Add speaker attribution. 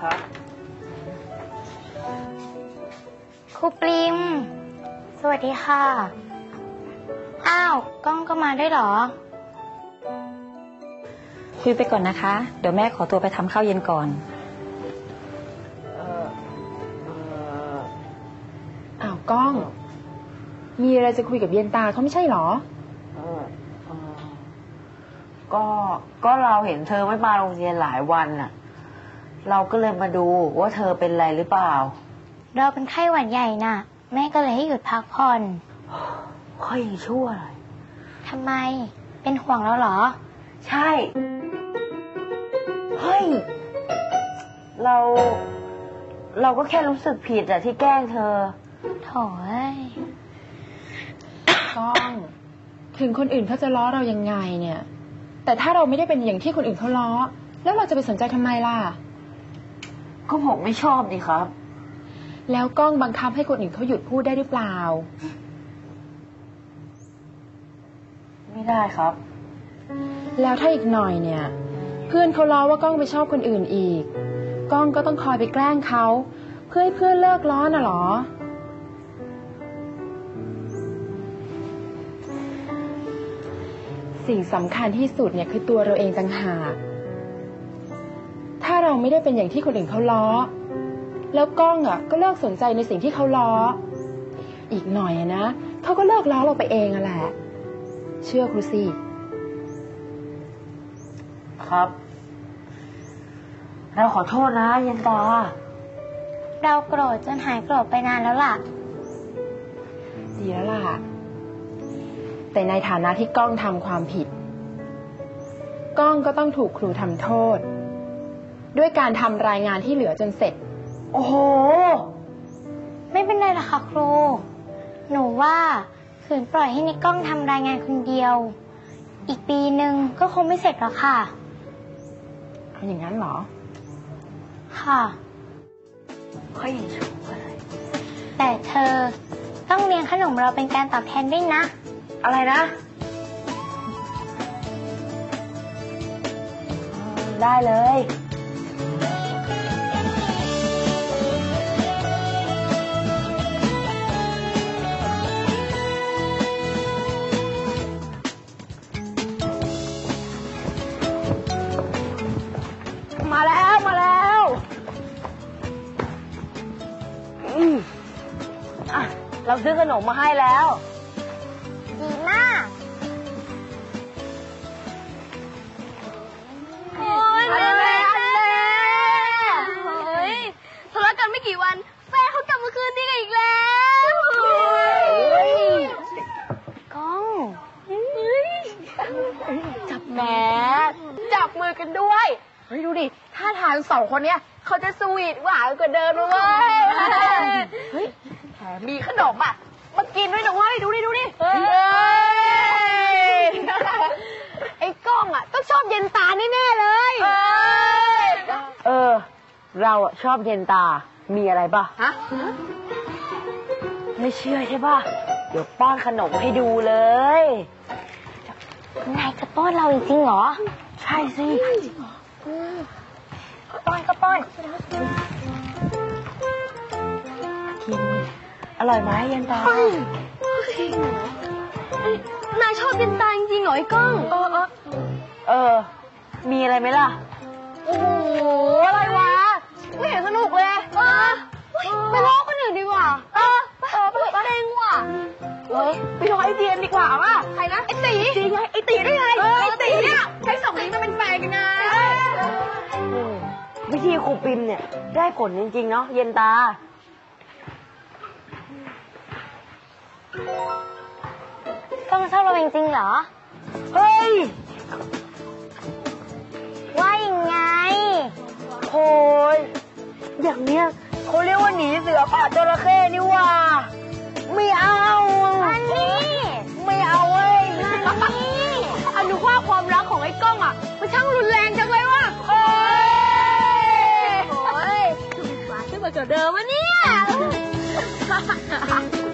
Speaker 1: ครับ
Speaker 2: ครูปริมสวัสดีค่ะอ้าวก้องก็มาด้วยเหรอ
Speaker 3: คุยไปก่อนนะคะ เดี๋ยวแม่ขอตัวไปทำข้าวเย็นก่อน
Speaker 4: อ้าวก้อง มีอะไรจะคุยกับเย็นตาเขาไม่ใช่หรอ
Speaker 1: ก็เราเห็นเธอไม่มาโรงเรียนหลายวันน่ะเราก็เลยมาดูว่าเธอเป็นอะไรหรือเปล่า
Speaker 2: เราเป็นไข้หวัดใหญ่น่ะแม่ก็เลยให้หยุดพักผ่อน
Speaker 1: ค่อยยังชั่วเลย
Speaker 2: ทำไมเป็นห่วงเราเหรอ
Speaker 1: ใช่เฮ้ยเราก็แค่รู้สึกผิดอะที่แกล้งเธอ
Speaker 2: โถ่เอ้ย
Speaker 4: ก้องถึงคนอื่นเขาจะล้อเรายังไงเนี่ยแต่ถ้าเราไม่ได้เป็นอย่างที่คนอื่นเขาล้อแล้วเราจะไปสนใจทำไมล่ะ
Speaker 1: ก็ผมไม่ชอบนี่ครับ
Speaker 4: แล้วก้องบังคับให้คนอื่นเขาหยุดพูดได้หรือเปล่า
Speaker 1: ไม่ได้ครับ
Speaker 4: แล้วถ้าอีกหน่อยเนี่ยเพื่อนเขาล้อว่าก้องไปชอบคนอื่นอีกก้องก็ต้องคอยไปแกล้งเขาเพื่อให้เพื่อนเลิกล้อน่ะหรอสิ่งสำคัญที่สุดเนี่ยคือตัวเราเองต่างหากถ้าเราไม่ได้เป็นอย่างที่คนอื่นเขาล้อแล้วก้องอ่ะก็เลิกสนใจในสิ่งที่เขาล้ออีกหน่อยนะเขาก็เลิกล้อเราไปเองอ่ะแหละเชื่อครูสิ
Speaker 1: ครับเราขอโทษนะเย็นตา
Speaker 2: เราโกรธจนหายโกรธไปนานแล้วล่ะ
Speaker 4: ดีแล้วล่ะแต่ในฐานะที่ก้องทำความผิดก้องก็ต้องถูกครูทำโทษด้วยการทำรายงานที่เหลือจนเสร็จ
Speaker 1: โอ้โห
Speaker 2: ไม่เป็นไรหรอกค่ะครูหนูว่าขืนปล่อยให้นิกก้องทำรายงานคนเดียวอีกปีนึงก็คงไม่เสร็จหรอกค่ะ
Speaker 4: เอาอย่างนั้นเหรอ
Speaker 2: ค่ะ
Speaker 1: ค่อยยังชั่วอะไร
Speaker 2: แต่เธอต้องเลี้ยงขนมเราเป็นการตอบแทนด้วยนะ
Speaker 1: อะไรนะได้เลยมาแล้วเราซื้อขนมมาให้แล้ว
Speaker 2: ดีมาก
Speaker 5: โอ้ยแม่เฮ้ยทะเลาะกันไม่กี่วันแฟนเขากลับมาคืนดีกันอีกแล้ว
Speaker 2: ก้อง
Speaker 4: จับแม่จับมือกันด้วยเฮ้ยดูดิท่าทางสองคนเนี้ยเขาจะสวีทหวานกว่าเดิมเลยเฮ้ยแถมมีขนมอ่ะมากินด้วยนะเว้ยดูดิไอ้ก้องอ่ะต้องชอบเย็นตาแน่ๆเลย
Speaker 1: เราอ่ะชอบเย็นตามีอะไรป่ะฮะไม่เชื่อใช่ป่ะเดี๋ยวป้อนขนมให้ดูเลย
Speaker 2: นายจะป้อนเราจริงเหรอ
Speaker 1: ใช่สิ
Speaker 2: ป้อนก็ป้อน
Speaker 1: กินอร่อยไหมเย็นต
Speaker 5: นายชอบเย็นตาจริงเหรอไอ้ก้อง
Speaker 1: มีอะไรไหมล่ะ
Speaker 4: โอ้โหอะไรวะไม่เห็นสนุกเลย
Speaker 5: ไปล้อคนอื่นดีกว่าไปเองว่ะ
Speaker 4: ไปรอไอเดียนดีกว่าว่ะใครนะไอตีจริงไงไอตีได้ไงไอตีเนี่ยใช้สองนี้มาเป็นแฟนกันนะ
Speaker 1: วิธีครูปิมเนี่ยได้ผลจริงๆเนาะเย็นตา
Speaker 2: ก้องชอบเราจริงๆเหรอ
Speaker 1: เฮ้ย
Speaker 2: ว่ายังไง
Speaker 1: โอ้ยอย่างเนี้ยเขาเรียกว่าหนีเสือป่าจระเข้นี่ว่าไม่เอา
Speaker 2: อันนี้
Speaker 1: ไม่เอาเว้ย
Speaker 2: อันนี้
Speaker 5: อนุภาพความรักของไอ้ก้องอ่ะมันช่างรุนแรงจังเลยว่ะ
Speaker 1: โอ้
Speaker 5: ยขึ้นมาเกิดเดิมวะเนี่ย